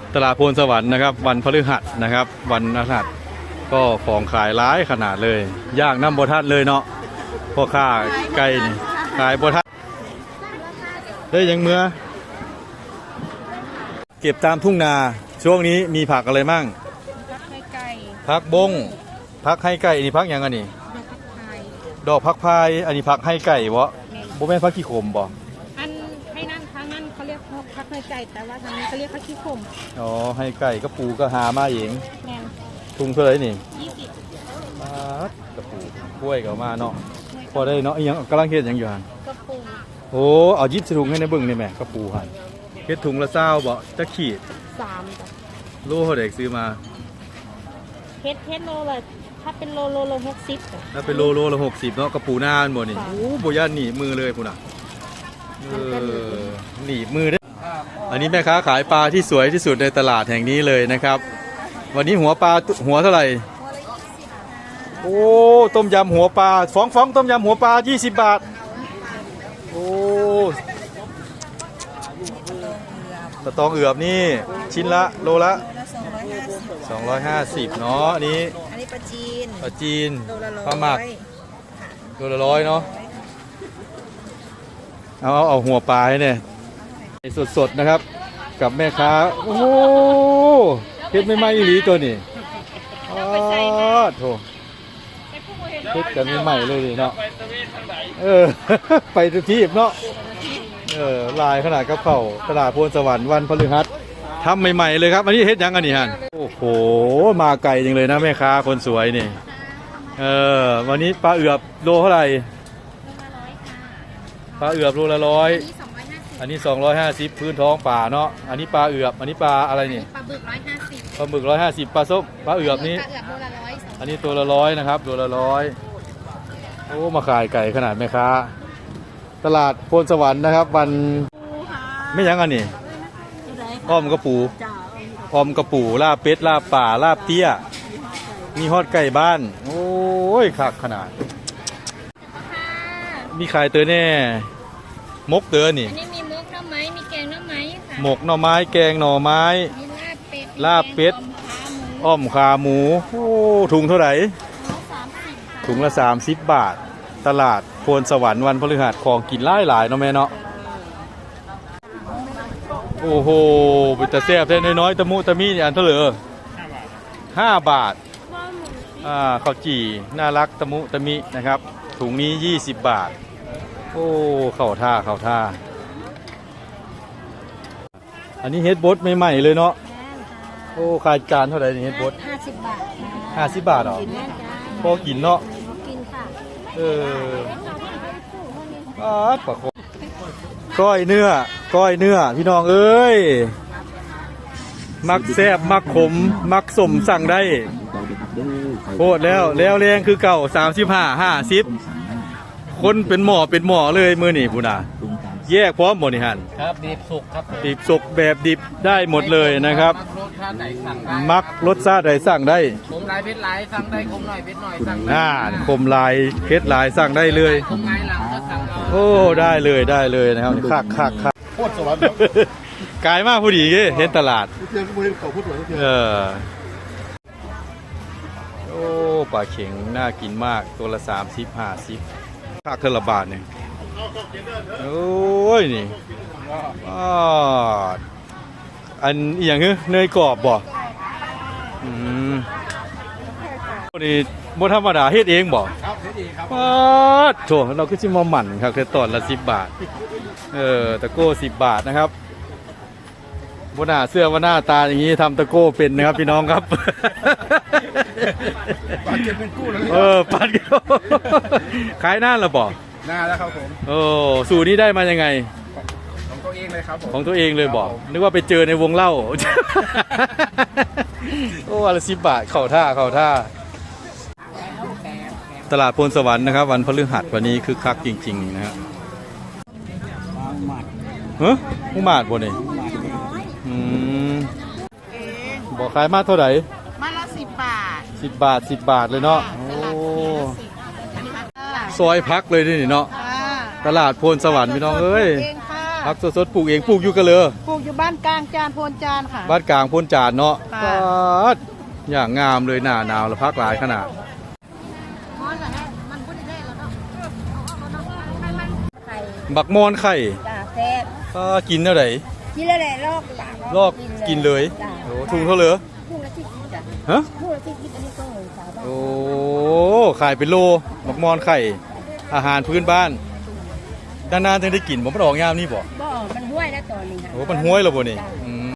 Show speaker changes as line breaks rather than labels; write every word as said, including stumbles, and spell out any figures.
ตลาดโพนสวรรค์นะครับวันพฤหัสนะครับวันพฤหัสก็ของขายร้ายขนาดเลยย่างน้ำบทัดเลยเนาะพ่อค้าไก่นี่ขายบทัดได้ยังเมื่อเก็บตามทุ่งนาช่วงนี้มีผักอะไรมั่ง
ผักให้ไก่
ผักบงผักให้ไก่นี่ผักยังไงนี่ดอกผักพายอันนี้ผักให้ไก่วะโบแม่นผักขี้ขมบ่
อันให้นั่นทางนั้นเขาเรียกผักให้ไก่แต่ว่าทางนี้เขาเรียกผักขี้ขม
อ๋อให้ไก่ก็ปูก็หามาเอง
แม่น
ทุ่งเท่าไหร่นี่
ยี่สิบ
กระปูกล้วยก็มาเนาะพอได้เนาะยังกำลังเฮ็ดยังอยู่หัน
กระปู
โอ้เอายิบถุงให้ในเบิ่งนี่แม่กระปูหันเฮ็ดถุงละเศร้าบ่จะขีด
สามจ้ะ
โลเท่าไหร่ซื้อมา
เฮ็ดเฮ็ดโลเลยถ้าเป็นโลโลโลหกสิบ
ถ้าเป็นโลโลละหกสิบเนาะกระปูหน้าอันบ่นี่โอ้บ่ย่านหนีมือเลยพุ่นน่ะเออหนีมือเด้ออันนี้แม่ค้าขายปลาที่สวยที่สุดในตลาดแห่งนี้เลยนะครับวันนี้หัวปลาหัวเท่าไหร่โอ้ต้มยำหัวปลาฟ้องฟ้องต้มยำหัวปลายี่สิบบาทโอ้ตะตองเอือบนี่ชิ้นละโลละสองร้อยห้าสิบเนาะอันนี้
อันนี้ปลาจีน
ปลาจีนปลาหมักโลละร้อยเนาะเอาเอาเอาหัวปลาเนี่ยสดๆนะครับกับแม่ค้าโอ้โหเฮ็ดไม่ไหม้อีหลีตัวนี้อ๋อโถเฮ็ดกันไม่ไหม้เลยเนาะเออไปทุกที่เนาะเออลายขนาดกระเป๋าตลาดโพนสวรรค์วันพฤหัสทำใหม่ๆเลยครับอันนี้เฮ็ดยังกันนี่ฮะโอ้โหมาไกลจริงเลยนะแม่ค้าคนสวยนี่เออวันนี้ปลาเอือบโลเท่าไหร่ปลาเอือบโลละร้อยอันนี้สองร้อยห้าสิบพื้นท้องป่าเนาะอันนี้ปลาเอือบอันนี้ปลาอะไรนี่
ปลาบึกร้อยห้าสิบ
ปลาบึกร้อยห้าสิบปลาส้มปลาเอือบนี้อันนี้ตัวละร้อยนะครับตัวละร้อยโอ้มาขายไก่ขนาดแม่ค้าตลาดโพนสวรรค์นะครับวันไม่ยังอันนี้อ้อมกระปูอ้อมกระปูลาบเป็ดลาบป่าลาบเตี้ยมีฮอดไก่บ้านโอ้ยคักขนาดมีขายเตอแน่มกเตอนี่
อันนี้มีมกหน่อไม้มีแกงหน่อไม้ค่ะ
หมกหน่อไม้แกงหน่อไม้
มีลาบเป็ด
ลาบเป็ดอ้อมขาหมูโอ้ถุงเท่าไหร่ถุงละสามสิบบาทตลาดโพนสวรรค์วันพฤหัสของกินหลายหลายเนาะแม่เนาะโอ้โหเป็นตะแซ่บแท้น้อยๆตะมุตะมีอันเท่าไหร่ห้าบาทอ่าข้าวจี่น่ารักตะมุตะมินะครับถุงนี้ยี่สิบบาทโอ้เข้าท่าเข้าท่าอันนี้เฮ็ดบดใหม่ๆเลยเนาะโอ้ขายจานเท่าไหร่นี่เฮ็ดบด
ห้าสิบบาท
ห้าสิบบาทเหรอพอกินเนาะ
กินค่ะ
เอออ้าปะก้อยเนื้อก้อยเนื้อพี่น้องเอ้ยมักแซ่บมักขมมักสมสั่งได้โคตรแล้วแล้วแรงคือเก่าสามสิบห้าห้าสิบคนเป็นหมอเป็นหมอเลยมือนี่พูน่ะแยกพร้อมหมดนี่ฮัน
ครับดิบสุกครับ
ดิบสุกแบบดิบได้หมดเลยนะครับมักรสชาติใดสั่งได้
คมลายเพชรลายสั่งได้คมหน่อยเพชรหน่อยสั่งได้
น่าคมลายเพชรลายสั่งได้เลย
คมลายหลังก็สั่ง
โอ้ได้เลยได้เลยนะครับคักคักคัก
โคตรสวรรค์
กายมากผู้ดีเห็นตลาดเออโอ้ปลาเข็งน่ากินมากตัวละสามสิบห้าสิบค่าเครื่องละบาทเนี่ยโอ้ยนี่อ๋ออันอย่างเงี้ยเนยกรอบบ่อืมนี่บ่ธรรมดาเฮ็ดเองบ่
ครับเฮ็ดเองครับ
อ๋อโถเราก็สิมาหมั่นครับแค่ตอนละสิบบาทเออตะโก้สิบบาทนะครับบนหน้าเสื้อว่าหน้าตาอย่างนี้ทำตะโก้เป็นนะครับพี่น้องครับ
ปันเก็บเป็นกู้แล้ว
เออปันเก็บขายหน้าหรือเปล่า
หน้าแล้วครับผม
โอ้สูตรนี้ได้มายังไง
ของตัวเองเลยครับผม
ของตัวเองเลยบอกนึกว่าไปเจอในวงเล่าโอ้วันละสิบบาทเข่าท่าเข่าท่าตลาดโพนสวรรค์นะครับวันพฤหัสวันนี้คือคักจริงๆนะครับเฮ้ยผู้มาดบ่เนี่ยอืมบอกขายมาเท่าไหร่
มาละสิบบาท
สิบบาทสิบบาทเลยเนาะโอ้ซอยพักเลยนี่เนาะตลาดโพนสวรรค์พี่น้องเอ้ยผักสดๆปลูกเองปลูกอยู่กันเลย
ปลูกอยู่บ้านกลางจานโพนจานค่ะ
บ้านกลางพ้นจานเนาะ
ค่ะ
ปาดอย่างงามเลยหน้าหนาวแล้วพักหลายขนาด
ไข่
บักมอนไข่
จ้าแซ่บ
ก็กินเท่าไหร่
กินแล้วแหละลอกปาก
ลอกกินเลย
จ้า
โอ้ถุงเท่าเหลือ
คู่ละที่กินจ้ะ
ฮะ
คู่ละที่กินอันนี้ก็เลยสาวบ้าน
โอ้ขายเป็นโลบักมอนไข่ อาหารพื้นบ้านนานๆถึงได้กินผมไม่ออกยามนี่บ่
บ่มันห้วยแล้วตอนนี้ค่ะ
โอ้มันห้วยแล้วบ่นี่อืม